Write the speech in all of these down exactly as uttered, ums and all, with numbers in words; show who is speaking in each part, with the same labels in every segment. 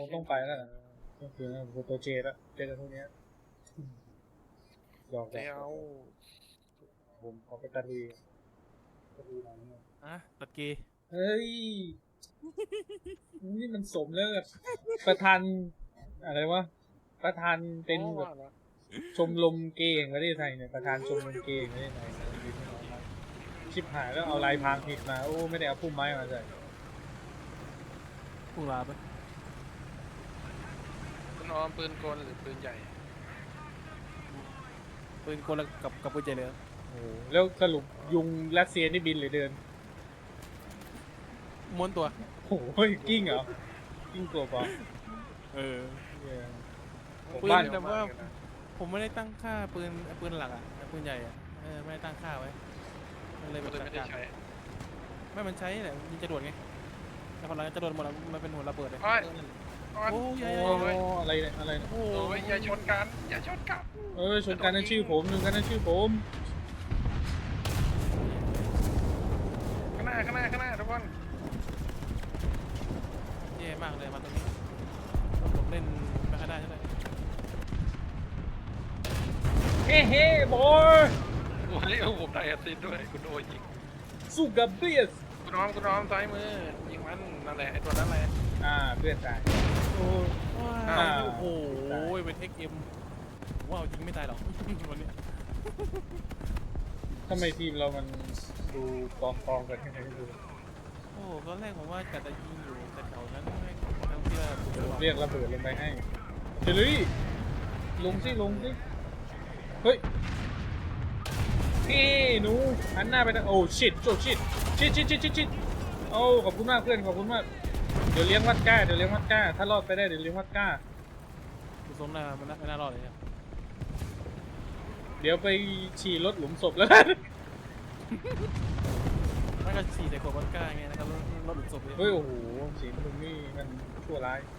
Speaker 1: งต้องไปแล้วนะก็คือโปรโตเจแล้วเจอกันพวกนี้ยอม
Speaker 2: เจ้า
Speaker 1: ผมขอไปตะลุยตะลุยหน่อยนึง
Speaker 3: อ่ะตัดกี
Speaker 1: เฮ้ยนี่มันสมแล้วกับประธานอะไรวะประธานเป็นแบบชมรมเกย์แห่งประเทศไทยเนี่ยประธานชมรมเกย์แห่งประเทศไทยชิบหายแล้วเอาลายพรางผิดมาโอ้ไม่ได้เอาพุ่มไม้มาใส่
Speaker 3: พุ่งลาไป
Speaker 2: คุณออมปืนกลหรือปืนใหญ่
Speaker 3: ปืนกลกับกับปืนใจเลย
Speaker 1: โอ้แล้วสรุปยุงรัสเซียนี่บินหรือเดิน
Speaker 3: ม้วนตัว
Speaker 1: โอ้โหกิ้งเหรอกิ้งตัวเปล่า
Speaker 3: เออ
Speaker 1: ผม
Speaker 3: ปืน
Speaker 1: บ้าน
Speaker 3: แต่ว่าผมไม่ได้ตั้งค่าปืนปืนหลักอ่ะปืนใหญ่อ่ะเออไม่ได้ตั้งค่าไว้มันเลย
Speaker 2: ก็
Speaker 3: เป็น
Speaker 2: เลยไม่ได้ใช้
Speaker 3: ไม่มันใช้แหละยิงจรวดไงแต่พอหลังจรวดหมดแล้วมันเป็นหัวระเบิดเลย
Speaker 2: โอ้ยโอ้ย
Speaker 3: โอ้ย
Speaker 1: โอ้อะไรเนี่ยอะไรเนี่ย
Speaker 3: โอ้
Speaker 2: โอ้ยอย่าชนกันอย่าชนกัน
Speaker 1: เออชนกันนั่นชื่อผมหนึ่งกันนั่นชื่อผม
Speaker 2: ข้างหน้าข้างหน้าข้างหน้าทุกคน
Speaker 3: แย่มากเลยมาตรงนี้ผมเล่นไม่ค่อยได้ใช่ไหม
Speaker 1: เฮ้เฮ้บอย
Speaker 2: โอ้ยผมได้แอสซิดด้วยคุณโอยิง
Speaker 1: สู้กับเบียส
Speaker 2: คุณออมคุณออมซ้ายมือยิงมันนั่นแหละไอ้ตัวนั้นแหละ
Speaker 1: อ่าเพื่อนตายโอ้
Speaker 3: ว้าวโอ้โหเป็น เอ็กซ์ เอ็ม ว้าวจริงไม่ตายหรอกวันนี้
Speaker 1: ทำไมทีมเรามันดูกองกองกันยังไงไม่รู้
Speaker 3: โอ้ตอนแรกผมว่ากัดจะยิงอยู่แต่แถวนั้นไม่ทั้งที่ว่า
Speaker 1: เดี๋ยวเรียกระเบิดลงไปให้เจลี่ลงสิลงสิเฮ้ยเฮ้หนูหันหน้าไปทางโอ้ชิดโจชิดชิดชิดชิดชิดชิดโอ้ขอบคุณมากเพื่อนขอบคุณมากเดี๋ยวเลี้ยงวัดก้าเดี๋ยวเลี้ยงวัดก้าถ้ารอดไปได้เดี๋ยวเลี้ยงวัดก้า
Speaker 3: ดูสมนามันไม่น่ารอดเลยครับ
Speaker 1: เดี๋ยวไปฉี่รถหลุมศพแล้วกัน
Speaker 3: มันก็ฉี่ใส่ขวดวอดก้าไงนะครับรถหลุดศพเลย
Speaker 1: เฮ้ยโอ้โหสีมึงนี่มันชั่วร้าย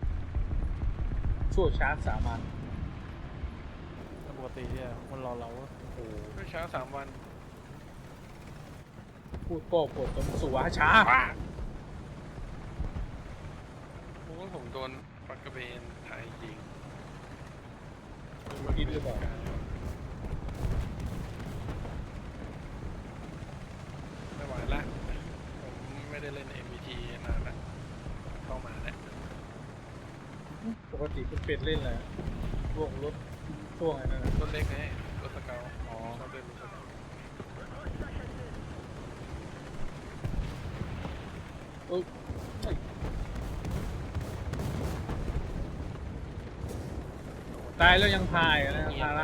Speaker 1: ชั่วช้าสามัญ
Speaker 3: ปกติเนี่ยมันรอเรา
Speaker 1: โอ้โห
Speaker 2: ก็ช้าสามวัน
Speaker 1: พูดโป้ปวดสมสุวาช้า
Speaker 2: ป้าโอ้ยผมโดนปักกระเบนไทยยิง
Speaker 1: กินหรือเปล่า
Speaker 2: ไม่ไหวละผมไม่ได้เล่น เอ็ม วี ที นานละเข้ามาแล้ว
Speaker 1: ปกติคุณเป็ดเล่นอะไรช่วงรถช่วงอะไรนั่นนะ
Speaker 2: รถเล็กไงรถสเกล
Speaker 1: อ๋อ
Speaker 2: ชอบเล่นรถสเกล
Speaker 1: เอ้ยเอ้ยตายแล้วยังพายอะนะครับภาระ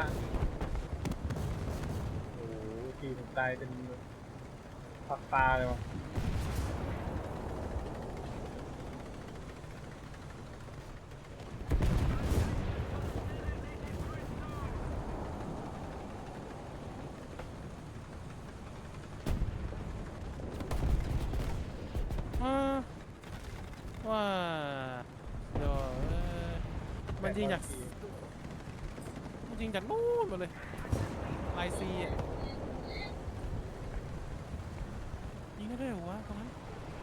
Speaker 1: โอ้โหทีมตายเป็นผักปลาเลยวะ
Speaker 3: ว่าเดี๋ยวมันยิงจากมันยิงจากนู้นมาเลยไลซีอ่ะยิงได้ด้วยเหรอวะตรงนั้น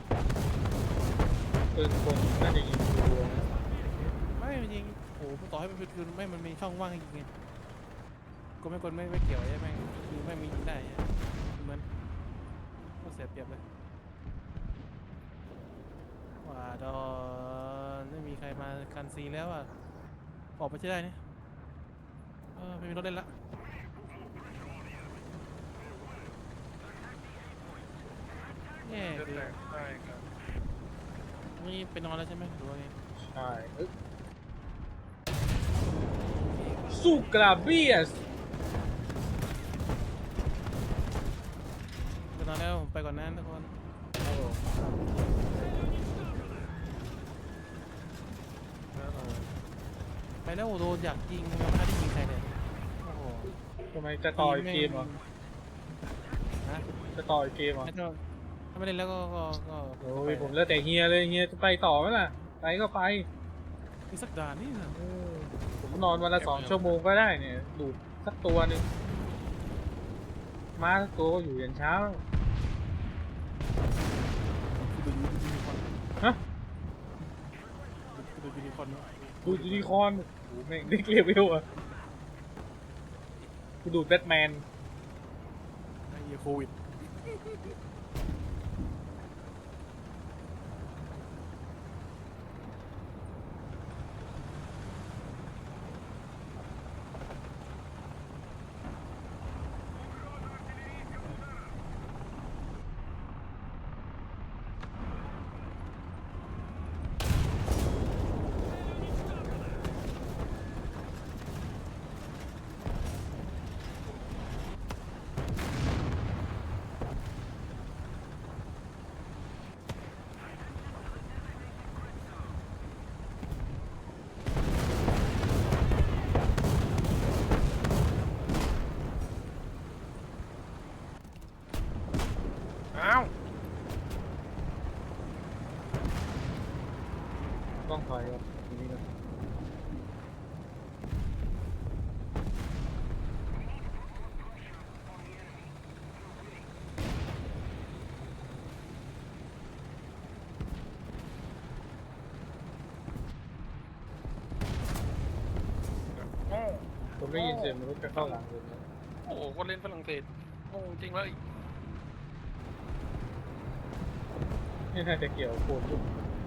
Speaker 1: ปืนคนน่าจะยิงตัวนะ
Speaker 3: ไม่มันยิงโอ้โหต่อให้มันเป็นคืนไม่มันมีช่องว่างให้ยิงไงกดไม่กดไม่ไม่เกี่ยวใช่ไหมคือไม่มียิงได้เหมือนก็เสียเปรียบเลยว่าดอนไม่มีใครมากันซีแล้วอ่ะออกไปใช่ได้เนี่ยเออไม่มีรถเล่นละแย่
Speaker 2: เลือด
Speaker 3: คือ
Speaker 2: แตกได้ครับ
Speaker 3: นี่ไปนอนแล้วใช่ไหมหรือว่าไง
Speaker 1: ใช่เอ้ยสู้กราเบียส
Speaker 3: ไปนอนแล้วผมไปก่อนนะทุกคน
Speaker 1: ครับผม
Speaker 3: ไปแล้วโดนอยากยิงยังไม่ได้ยิงใครเลยโอ้โห
Speaker 1: ทำไมจะต่อยเกมเหรอ
Speaker 3: นะ
Speaker 1: จะต่อยเกมเหรอ
Speaker 3: ไม่ต้องถ้าไม่เล่นแล้วก็ก็ก็
Speaker 1: โอ้ยผมแล้วแต่เฮียเลยเฮียจะไปต่อไหมล่ะไปก็ไป
Speaker 3: มีสักด่านนี่นะ
Speaker 1: เออผมนอนวันละสองชั่วโมงก็ได้เนี่ยดูดสักตัวหนึ่งม้าสักตัวก็อยู่ยันเช้า
Speaker 3: คือดูดูดู
Speaker 1: ฮะ
Speaker 3: ดดูยูนิคอร์น
Speaker 1: ดูยูนิคอร์นโอ้โหแม่งเด็กเลเวลอะกูดูแบทแมน
Speaker 3: ไอ้เหี้ยโควิด
Speaker 2: อ้าว
Speaker 1: ต้องถอยครับทีนี้นะผมได้ยินเสียงมันรถจะเข้าหลังเลยนะ
Speaker 2: โอ้โหคนเล่นฝรั่งเศสโง่จริงเลย
Speaker 1: นี่น่าจะเกี่ยวกับโคนยุบ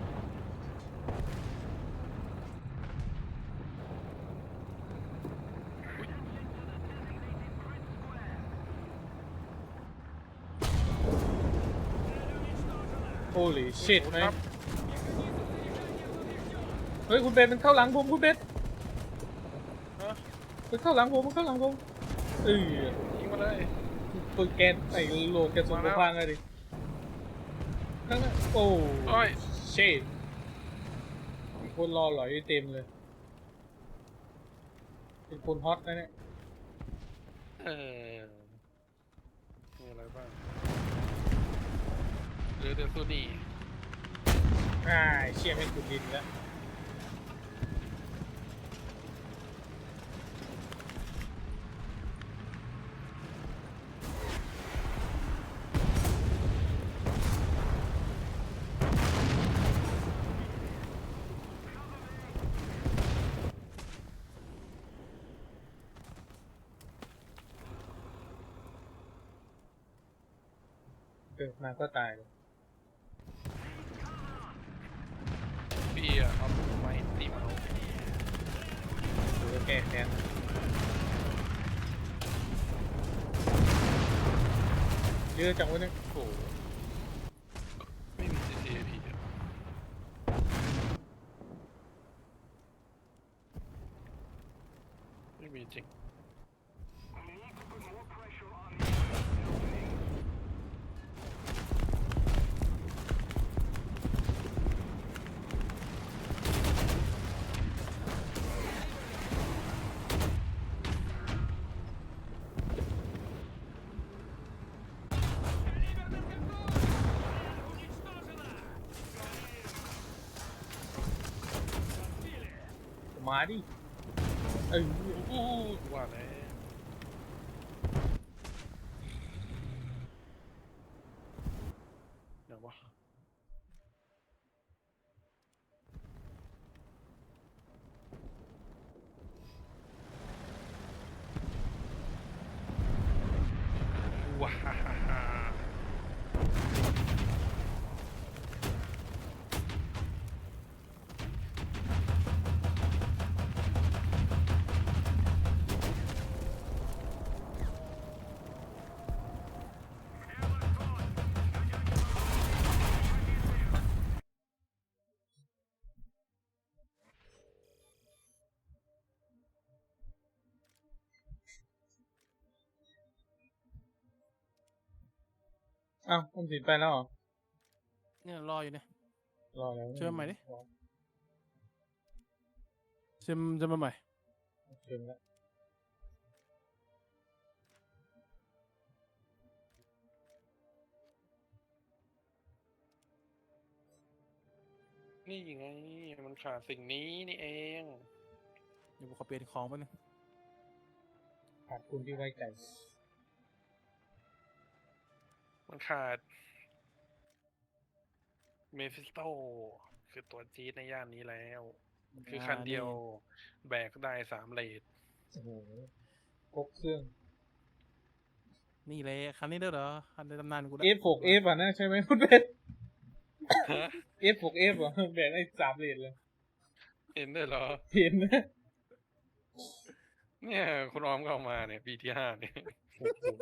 Speaker 1: โอ้ลิชิตไหม
Speaker 2: ครับ
Speaker 1: เฮ้ยคุณเบนมันเข้าหลังผมคุณเบน
Speaker 2: ฮะ
Speaker 1: มันเข้าหลังผมมันเข้าหลังผมเออ
Speaker 2: ยิงมาเลย
Speaker 1: ปืนแกนไอ้โหลดแกนส่งตัวพังเลยดิข้างหน้าโอ้
Speaker 2: โอ้ย
Speaker 1: เชดมีคนรอหลอยเต็มเลยเป็นคนฮอตนะเนี่ย
Speaker 2: เออมีอะไรบ้างหรือเดี๋ยวซูนี
Speaker 1: อ่าเชี่ยไม่ขุดดินแล้ว เกิดมาก็ตายเลย
Speaker 2: พี่อะเอาไม้ตีมาเอา
Speaker 1: หรือว่าแก้แค้นเยอะจังวะเนี่ย
Speaker 2: โอ้โหไม่มี ซี ซี เอ พี อะไม่มีจริง
Speaker 1: มาดิเออ
Speaker 2: อู้ว่าแล้วเดี๋ยววะว้าฮ่าฮ่าฮ่า
Speaker 1: อ้าวออมสินไปแล้วเหรอ
Speaker 3: เนี่ยรออยู่เนี่ย
Speaker 1: รอแล้ว
Speaker 3: เชิญใหม่ดิ เชิญจะมาใหม่
Speaker 1: เชิญแล้ว
Speaker 2: นี่ไงมันขาดสิ่งนี้นี่เอง
Speaker 3: เดี๋ยวผมขอเปลี่ยนของแป๊บนึง
Speaker 1: ขาดคุณที่ไว้ใจ
Speaker 2: มันขาดเมฟิสโตคือตัวจี๊ดในย่านนี้แล้ว คือคันเดียวแบกได้สามเลท
Speaker 1: โอ้โหครบเครื่อง
Speaker 3: นี่เลยคันนี้ด้วยเหรอคันในตำนานกู
Speaker 1: เอฟ หก F อ่ะนะใช่ไหมคุณเพชร เอฟ หก F อ่ะแบกได้สามเลนเลย
Speaker 2: เห็นด้วยเหรอ
Speaker 1: เห็นนะ
Speaker 2: เนี่ยคุณออมก็เอามาเนี่ยปีที่ห้าเนี่ย
Speaker 1: โอ้โห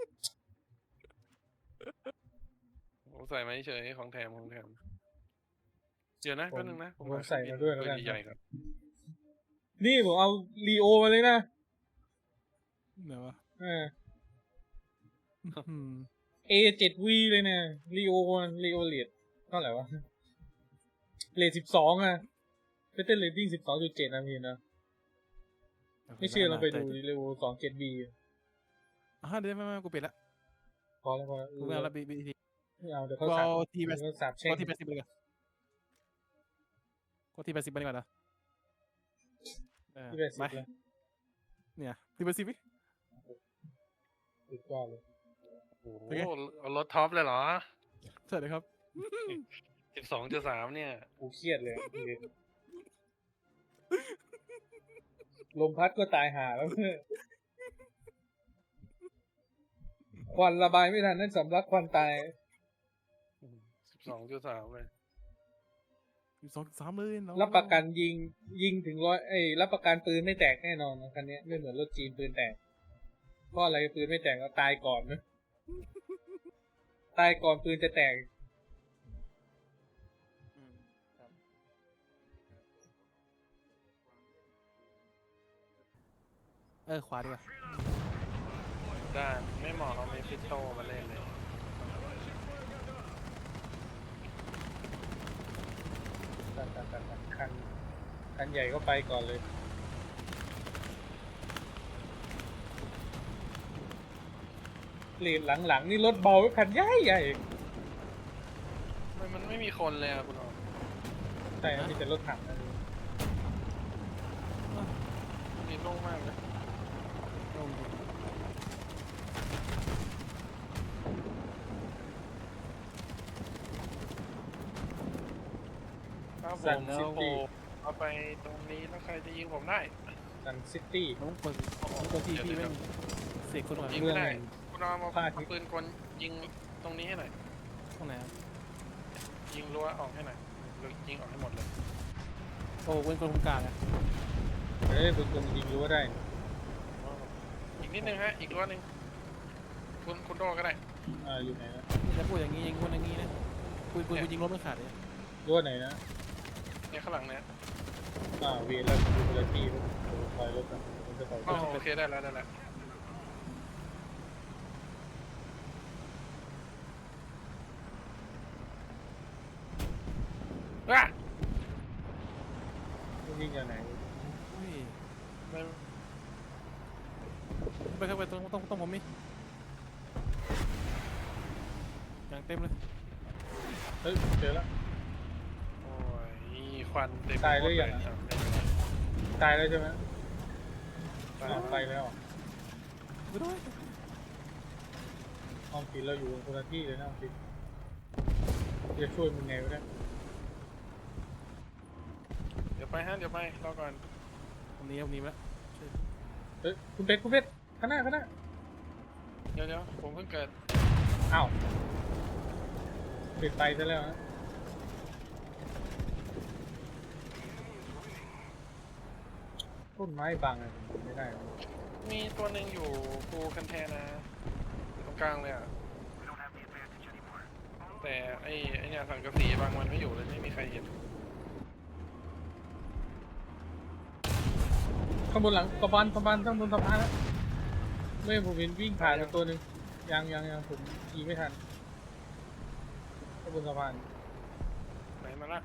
Speaker 2: ผมใส่มาเฉยของแถมของแถมเดี๋ยวนะ
Speaker 1: ผม
Speaker 2: แป๊บนึงนะ
Speaker 1: ผมใส่มาด้วยแล้วกัน
Speaker 2: ใหญ่ๆครับ
Speaker 1: นี่ผมเอาลีโอมาเลยนะ
Speaker 3: เดี๋ยววะ
Speaker 1: เออ
Speaker 3: อืม
Speaker 1: เอ เซเว่น วี เลยนะลีโอลีโอเลดเท่าไหร่วะเลดสิบสองอ่ะเฟเตอร์เรตติ้งสิบสองจุดเจ็ดนะพี่นะไม่เชื่อเราไปดูลีโอสองเจ็ดวี
Speaker 3: อ่ะเดี๋ยวไม่ไม่กูปิดละ
Speaker 1: พอแล้วพอแล้ว
Speaker 3: กูไม่เอาละบีบีที
Speaker 1: ไม่เอาเดี๋ยว
Speaker 3: กู
Speaker 1: เขาสา
Speaker 3: เอา
Speaker 1: บ
Speaker 3: ทีแปด
Speaker 1: เดี๋ยวเขาสาบแช่
Speaker 3: กู
Speaker 1: ง
Speaker 3: ทีแปดสิบเลยกันกูทีแปดสิบไปดีกว่านะเออ
Speaker 1: ที่แปดสิบ
Speaker 3: ไป
Speaker 1: แล้ว
Speaker 3: เนี่ยทีแปดสิบวิ
Speaker 1: สุดยอดเลย
Speaker 2: โอ้โห
Speaker 3: เป็นไง
Speaker 2: เอารถท็อปเลยเหรอ
Speaker 3: สวัสดีครับ
Speaker 2: สิบสองจุดสามเนี่ย
Speaker 1: กูเครียดเลยลมพัดก็ตายหาแล้วเพื่อนควันระบายไม่ทันนั่นสำลักควันตาย
Speaker 2: สิบสองจุดสามเลย
Speaker 3: สิบสองสามเลยน้อง
Speaker 1: รับประกันยิงยิงถึงร้อยไอ้ยรับประกันปืนไม่แตกแน่นอนนะคันนี้ไม่เหมือนรถจีนปืนแตกเพราะอะไรปืนไม่แตกก็ตายก่อนนะตายก่อนปืนจะแตก
Speaker 3: อืมครับเออขวาดีกว่า
Speaker 2: ด้านไม่เหมาะเอาเมฟิโตมาเล่นเลย
Speaker 1: ตัดตัดตัดตัดคันคันใหญ่ก็ไปก่อนเลยเลนหลังๆนี่รถเบาไว้คันใหญ่ใหญ่
Speaker 2: มันมันไม่มีคนเลยอะคุณออม
Speaker 1: ใช่ครับมีแต่รถถังนะ
Speaker 2: นี่โล่งมากเลย
Speaker 3: ลงดิ
Speaker 2: ถ้าผ
Speaker 1: ซัน
Speaker 2: ม
Speaker 1: ซิ
Speaker 2: โอ้โห
Speaker 1: ตี้
Speaker 2: เอาไปตรงนี้แล้วใครจะยิงผมได้
Speaker 1: ซันซิตี้
Speaker 3: น้องเปิดตัวทีพี่ไม่เสกคนหน่อย
Speaker 2: ยิง
Speaker 1: เมื
Speaker 2: ไม่
Speaker 1: อง
Speaker 2: ได้
Speaker 1: แห่ง
Speaker 2: คุณออมเอา
Speaker 1: พระอาทิตย์
Speaker 2: เอาปืนกลยิงตรงนี้ให้หน่อย
Speaker 3: ตรงไหนอะ
Speaker 2: ยิงรั้วออกให้หน่อยหรือยิงออกให้หมดเลย
Speaker 3: โอ้เว้นคนคุมกลางอะ
Speaker 1: เอ้ยปืนกลยิงรู้ว่าได้
Speaker 2: อีกนิดนึงฮะ อีกรั้วหนึ่งคุณคุณโดก็ได้
Speaker 1: อ่าอยู่ไหนนะ
Speaker 3: จะพูดอย่างนี้ยิงคนอย่างนี้นะปืนปืนกูยิงรถไม่ขาดเลย
Speaker 1: รั้วไหนนะ
Speaker 2: เนี่ยข้างหลังเนี่ย
Speaker 1: อ่าเวรแล้วดูเวลาที่คอยรถนะมันจะต่อย
Speaker 2: อ๋อโอเคได้แล้วได้แล้วว้า
Speaker 1: ยิงจากไหน
Speaker 3: เฮ้ย
Speaker 2: ไม่
Speaker 3: ไปเข้าไปตรงต้องต้องผมมิอย่างเต็มเลย
Speaker 1: เฮ้ยเจอแล้ว
Speaker 2: โอ้ยควันเต็ม
Speaker 1: ตายหรือยัง
Speaker 2: หมดครับ
Speaker 1: ตายแล้วใช่ไหม
Speaker 2: ตาย
Speaker 1: อ้าวไปแล้ว
Speaker 3: ไปด้วย
Speaker 1: ห้องผิดเราอยู่คนละที่เลยนะห้องผิดจะช่วยมึงไงวะเนี่ย
Speaker 2: เดี๋ยวไปฮะเดี๋ยวไปรอก่อน
Speaker 3: ผมหนี้ผมหนี้ไปแล้ว
Speaker 1: เฮ้ยคุณเป็ดคุณเป็ดข้างหน้าข้างหน้า
Speaker 2: เดี๋ยวเดี๋ยวผมเพิ่งเกิด
Speaker 1: อ้าวปิดไฟซะแล้วนะต้นไม้บังอะไม่ได้
Speaker 2: มีตัวหนึ่งอยู่ภูคันแทนะตรงกลางเลยอ่ะแต่ไอ้ไอ้เนี่ยสังกะสีบางมันไม่อยู่เลยไม่มีใครเห็น
Speaker 1: ข้างบนหลังสะพานสะพานข้างบนสะพานแล้วไม่ผมเห็นวิ่งผ่านไปตัวหนึ่งยังยังยังผมขี่ไม่ทันข้างบนสะพาน
Speaker 2: ไหนมาละ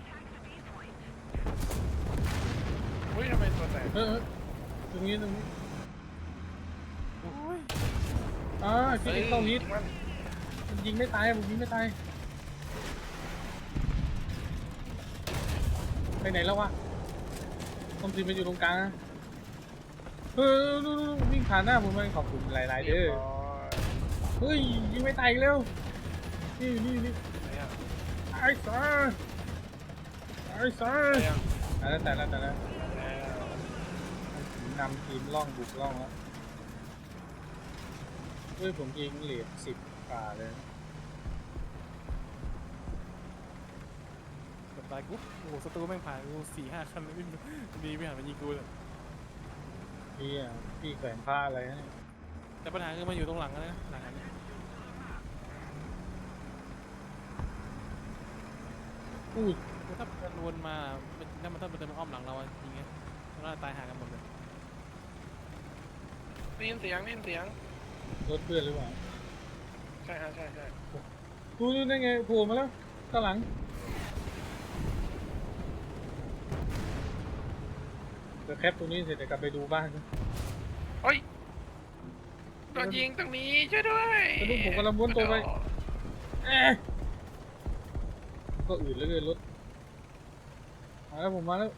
Speaker 2: อุ้ยทำไมตัวแตก
Speaker 1: เออเออตรงนี้ตรงนี้
Speaker 3: โอ้ย
Speaker 1: อ่าที่เข้าฮิต
Speaker 2: ยิงมัน
Speaker 1: มันยิงไม่ตายผมยิงไม่ตายไปไหนแล้ววะต้องทีมันอยู่ตรงกลางนะเออดูดูดูวิ่งผ่านหน้าผมไปขอบคุณหลายๆเด้อ
Speaker 2: รียบร้อย
Speaker 1: เฮ้ยยิงไม่ตายอีกแล้วนี่นี่นี่
Speaker 2: ไหนอ่ะ
Speaker 1: ไอ้สัสไอ้ซ่า
Speaker 2: ไปยัง
Speaker 1: แต่แล้วแต่แล้วแต่แล้ว
Speaker 2: แล้ว
Speaker 1: นำทีมล่องบุกล่องแล้วเฮ้ยผมยิงเหรียญสิบป่าเลย
Speaker 3: กดตายกูโอ้โหศัตรูแม่งผ่านกูสี่ห้าคันเลยวิ่งดีไม่หันมายิงกูเลย
Speaker 1: พี่อ่ะพี่แขวนผ้าอะไรนะ
Speaker 3: แต่ปัญหาคือมันอยู่ตรงหลังนะหลังอันนี้
Speaker 1: อู้
Speaker 3: คือถ้ามันวนมามันถ้ามันถ้ามันเดินมาอ้อมหลังเราอะจริงไงเราน่าจะตายหากันหมดเลย
Speaker 2: ได้ยินเสียงได้ยินเสียง
Speaker 1: รถเพื่อนหรือเปล่า
Speaker 2: ใช่ฮะใช่ใช่
Speaker 1: ดูดูได้ไงโผล่มาแล้วข้างหลังเดี๋ยวแคปตรงนี้เสร็จเดี๋ยวกลับไปดูบ้านนะ
Speaker 2: เฮ้ยโดนยิงตรงนี้ช่วยด้วย
Speaker 1: แล้วลูกผมกำลังม้วนตัวไปเอ๊ะก็อื่นเหลยรถมาแล้วผมมาแล้ว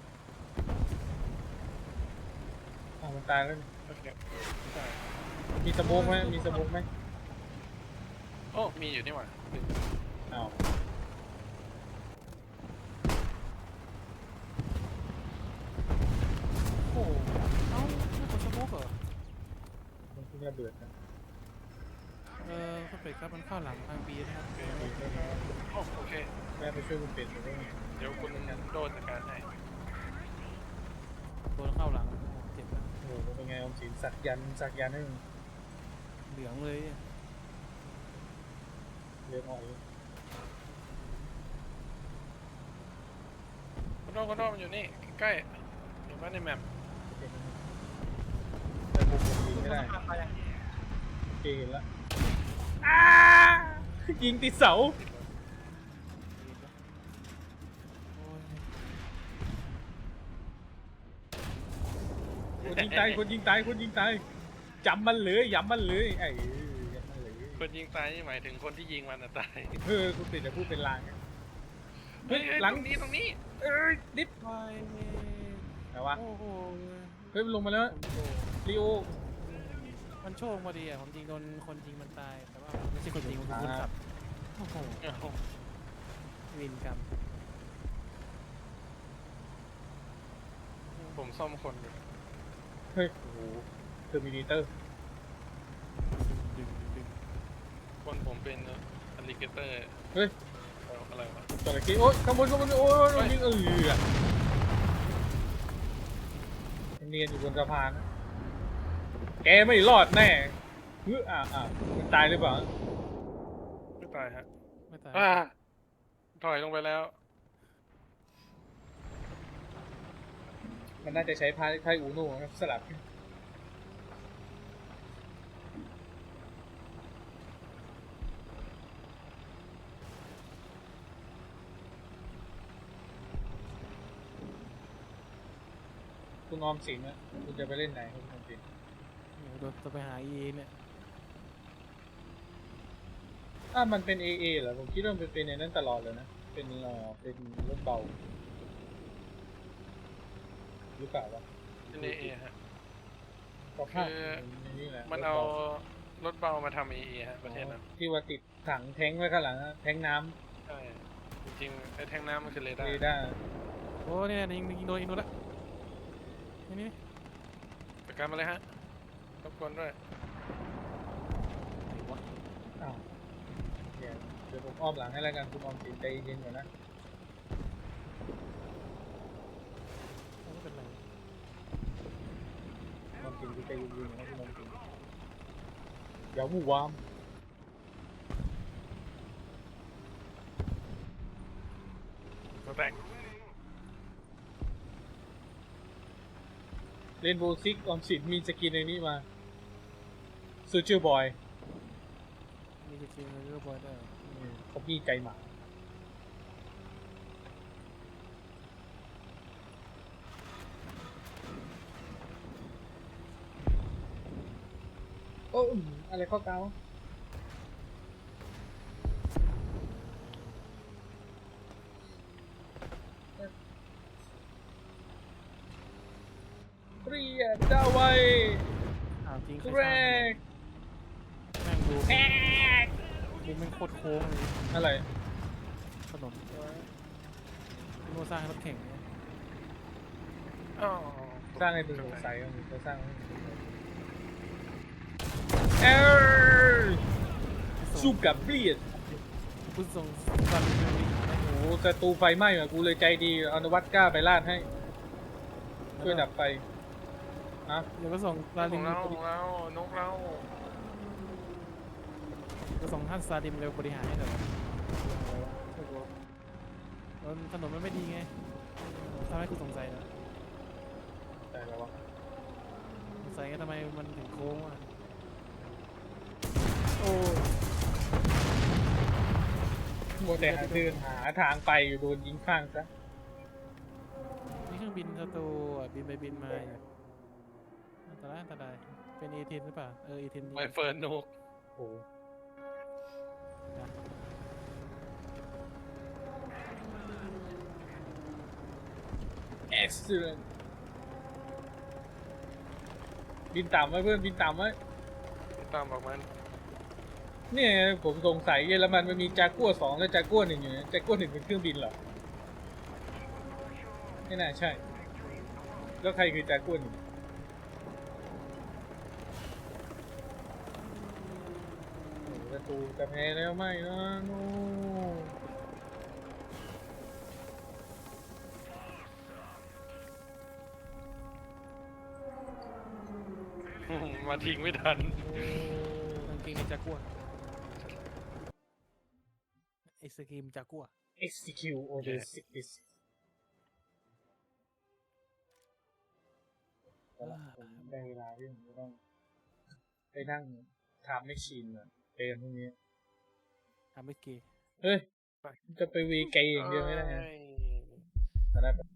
Speaker 1: อ้าวมันตายแล้วนี่
Speaker 2: โอเคใช่
Speaker 1: มีสโมกไหมมีสโมกไหม
Speaker 2: โอ้มีอยู่นี่หว่า
Speaker 1: อ้าว
Speaker 3: โอ้โหเอ้าไม่กดสโมกเหรอ
Speaker 1: มันเพิ่งระเบิดนะ
Speaker 3: เออคุณเป็ดครับมันเข้าหลังทางบีนะครับ
Speaker 2: โอเคโอ้โอเค
Speaker 1: แม่ไปช่วยคุณเป็ดหน่อยได้ไหม
Speaker 2: เดี๋ยวคุณโดนจัดการให้
Speaker 3: โดนเข้าหลังโอ้โหเจ็บนะ
Speaker 1: โอ้โหเป็นไงออมสินสักยันต์สักยันต์ให้มึง
Speaker 3: เหลืองเลย
Speaker 1: เรียกอ่อย
Speaker 2: คุณโดนคุณโดนมันอยู่นี่ใกล้ๆอยู่บ้านในแมป
Speaker 1: แต่ผมผมยิงไม่ได้โอเคเห็นแล้วอ้ายิงติดเสา
Speaker 3: โอ้ย
Speaker 1: คนยิงตายคนยิงตายคนยิงตายจำมันเลยย้ำมันเลยไอ้เอ้ยย้ำมันเลย
Speaker 2: คนยิงตายนี่หมายถึงคนที่ยิงมันน่ะตาย
Speaker 1: เออคุณเป็ดจะพูดเป็นลางไง
Speaker 2: เฮ้ยเฮ้ย
Speaker 1: หลั
Speaker 2: ตรงนี้ตรงนี้
Speaker 1: เอ้ยนิด
Speaker 3: ไป
Speaker 1: ไหนวะ
Speaker 3: โอ้โห
Speaker 1: เฮ้ยมันลงมาแล้ว
Speaker 3: ผมโดน
Speaker 1: ลีโอ
Speaker 3: มันโชคพอดีอ่ะผมยิงโดนคนยิงมันตายแต่ว่าไม่ใช่คนยิงมันคือคนขับโอ้โห
Speaker 2: เอ้า
Speaker 3: วินกรรม
Speaker 2: ผมซ่อมคนอยู่
Speaker 1: เฮ้ยโอ้โหเทอร์มินเตอร์
Speaker 3: ดึงดึง
Speaker 2: คนผมเป็นอลิเกเตอร์
Speaker 1: เฮ้ย
Speaker 2: อะไรวะ
Speaker 1: จระเข้โอ๊ยข้างบนข้างบนโอ๊ยโดนยิงเออเนียนอยู่บนสะพานนะแกไม่รอดแน่เฮ้ยอ่าอ่ามันตายหรือเปล่า
Speaker 2: ไม่ตายฮะ
Speaker 3: ไม่ตาย
Speaker 2: อ่าถอยลงไปแล้ว
Speaker 1: มันน่าจะใช้พายไพ่อูโน่ครับสลับคุณออมสินนะคุณจะไปเล่นไหนคุณออมสิน
Speaker 3: โอ้โหโดนจะไปหาเอเนี่ย
Speaker 1: อ่ามันเป็น เอ เอ เหรอผมคิดว่ามันเป็นในนั้นตลอดเลยนะเป็นเอ่อเป็นรถเบาหรือเปล่าวะ
Speaker 2: เป็นเอเอฮะ
Speaker 1: ก็ภาพ
Speaker 2: คือ
Speaker 1: นี่แหละ
Speaker 2: มันเอารถเบามาทำเอเอฮะประเทศนั้น
Speaker 1: ที่ว่าติดถังแท้งไว้ข้างหลังอะแท้งน้
Speaker 2: ใช่ จริงๆไอ้แท่งน้ำมันคือเร
Speaker 1: ำ
Speaker 2: ดา
Speaker 1: เร
Speaker 2: ร์
Speaker 1: ดาร์
Speaker 3: โอ้เนี่ยยิงยิงโดนยิงโดนละนี่นี่
Speaker 2: จัดการมาเลยฮะรบกวนด้วย
Speaker 3: ไหนวะ
Speaker 1: อ้าวเดี๋ยวเดี๋ยวผมอ้อมหลังให้แล้วกันคุณออมสินใจเย็นก่อนนะ
Speaker 3: ไม่เป็นไร
Speaker 1: คุณออมสินคือใจเย็นๆนะคุณออมสินเดี๋ยวหมู่วาม
Speaker 2: ตัวแตก
Speaker 1: เล่นโบซิกออมสินมีสกินในนี้มาซูเจอร์บอย
Speaker 3: มีสกิลเรือบอยได้
Speaker 1: เขาพี่ใจหมาโอ้ยอะไรข้อเกาเปรียดดาไว้
Speaker 3: อ้าวจริง
Speaker 1: แก
Speaker 3: ใคร
Speaker 1: ร
Speaker 3: สร้าง
Speaker 1: ก
Speaker 3: แม่งดู
Speaker 1: แอก
Speaker 3: มุมแม่งโคตรโค้งเลย
Speaker 1: อะไร
Speaker 3: ถนน
Speaker 1: ดู
Speaker 3: โน่สร้างรถแข่งเนี่ย
Speaker 2: อ๋อ
Speaker 1: สร้างให้มึงสงสัยมึงจะสร้างให้มึงสงสัยเออสู้กับเบียด
Speaker 3: คุณส่งซาลิมไปวิ่งให้
Speaker 1: โอ้โหศัตรูไฟไหม้อะกูเลยใจดีเอานวัตกล้าไปลาดให้ช่วยดับไฟฮะ
Speaker 3: เดี๋ยวก็ส่งซา
Speaker 2: ข
Speaker 3: ลิ
Speaker 2: อ
Speaker 3: ม
Speaker 2: งเราของเรานกเรา
Speaker 3: ก็ส่งท่านซาลิมเร็วบริหารให้หน่อยแล้วถนนมันไม่ดีไงทำให้กูสงสัยนะ
Speaker 1: ได้แล้ววะ
Speaker 3: สงสัยไงทำไมมันถึงโค้งอ่ะโอ้
Speaker 1: มัวแต่หาเดินหาทางไปอยู่โดนยิงข้างซะ
Speaker 3: นี่เครื่องบินศัตรูอ่ะบินไปบินมาอยู่อันตรายอันตรายเป็นเอเทนหรือเปล่าเออเอเทน
Speaker 2: ไมเฟิร์นนก
Speaker 1: โอ้เอ็กซ์เลนบินต่ำไว้เพื่อนบินต่ำไว้
Speaker 2: ตามบอกมัน
Speaker 1: เนี่ยผมสงสัยเยอรมันมันมีจากัวสองและจากัวหนึ่งอยู่นะจากัวหนึ่งเป็นเครื่องบินเหรอไม่น่าใช่ แล้วใครคือจากัวหนึ่งโอ้ประตูจะแพ้แล้วไม่นะโน
Speaker 2: มาทิ้งไม่ทัน
Speaker 3: กางเกงในจากัวไอศกรีมจากัว
Speaker 1: execute order six ได้เวลาที่ผมจะต้องไปนั่งทำแมชชีนอะเกมพวกนี้
Speaker 3: ทำไม่เกย์
Speaker 1: เฮ้ย จะไปวีเกย์อย่างเดียวไม่ได้นะ
Speaker 2: เอ้ย
Speaker 1: ตอนนั้น